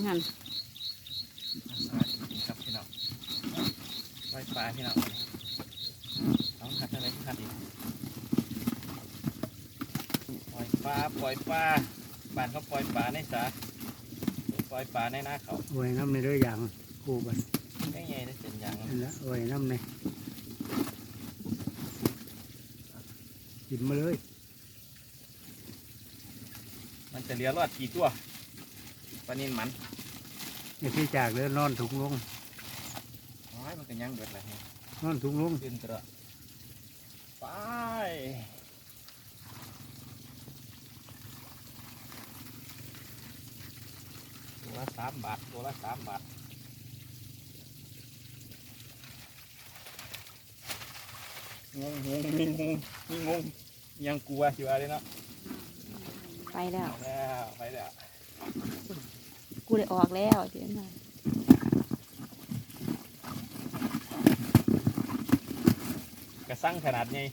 งั้นครับพี่น้องปล่อยปลาพี่น้องเอาหัดอะไรหัดอีกปล่อยปลาบ้านเขาปล่อยปลาในสาปล่อยปลาในนาเขาไว้น้ำในเรื่องอย่างคู่บันไม่ไงได้เป็นอย่างนั่นละไว้น้ำในกินมาเลยมันจะเลี้ยรอดกี่ตัวปลานินมันไอ้ที่จากเรือนอนถุงลงมันก็ยังเบิดเลยนอนถุงลงขึ้นกระไปตัวละ3 บาทตัวละ3 บาทงงยังกลัวอยู่อะไรเนาะไปแล้วไปแล้วกูได้ออกแล้วเดี๋ยวนะกระสั่งขนาดนี้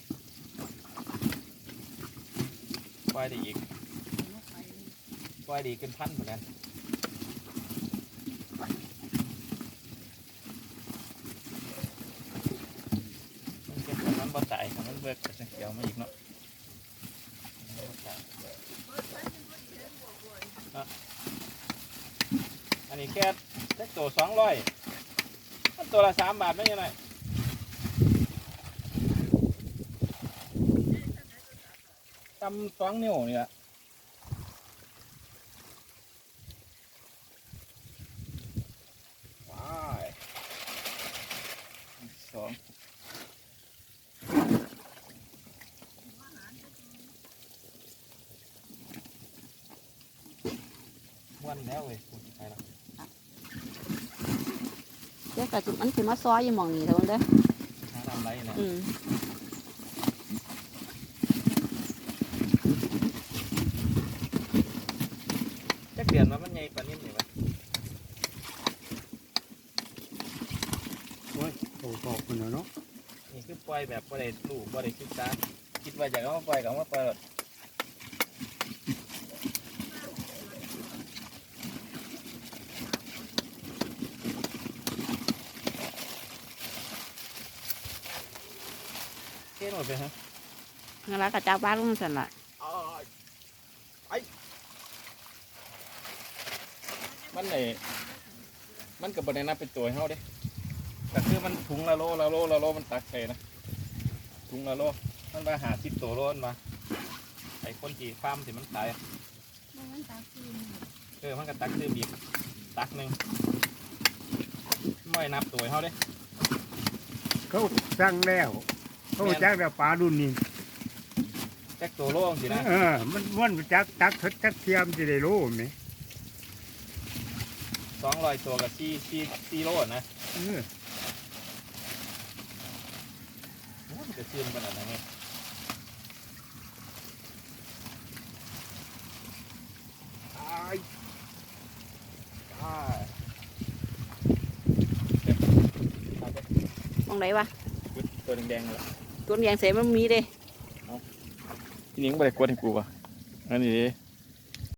ปล่อยได้อีกปล่อยดีเป็นพันเหมือนกันมันเป็นของมันบ่ตายของมันเบิกกระเขียวมาอีกเนาะอันนี้แค่ตัว200มันตัวละ3 บาทไม่ยังไงตำ2 นิ้วนี่แหละว้าย2วันแล้วเลยพูดไปแล้วเดี๋ยวกระจุกมันคือมาซ้อยอยู่หมองนี้เท่านั้นเด้อหาทำไรเนี่ยจะเปลี่ยนมามันใหญ่ปานนี้นี่วะโอ้ยโตคนเนาะนี่คือปล่อยแบบบ่ได้ลูกบ่ได้ศึกษาคิดว่าอยากเอามาปล่อยก็เอามาปล่อยเท่หมดไปฮะงั้นละกระจับบ้านลุงสันละมันกับบริเวณนั้นเป็นตัวเขาเด้แต่คือมันถุงละโลมันตักใส่นะถุงละโลมันมา50 ตัวโลมาไอ้คนที่ฟาร์มที่มันตายมันก็ตักซื้อบีบตักหนึ่งไม่นับตัวเขาเด้เขาสั่งแล้วเขาจักแล้วปลาดุนนี่จักตัวโลสินะมันจักจักเทียมจะได้โลไหม 200 ตัวกับ4 โลนะมันจะเชื่อมขนาดไหนเนี่ยมองไหนวะตัวแดงๆเลยตัวแดงเสียมันมีเด้ทีนี้ก็ไม่ได้กดให้กูป่ะอันนี้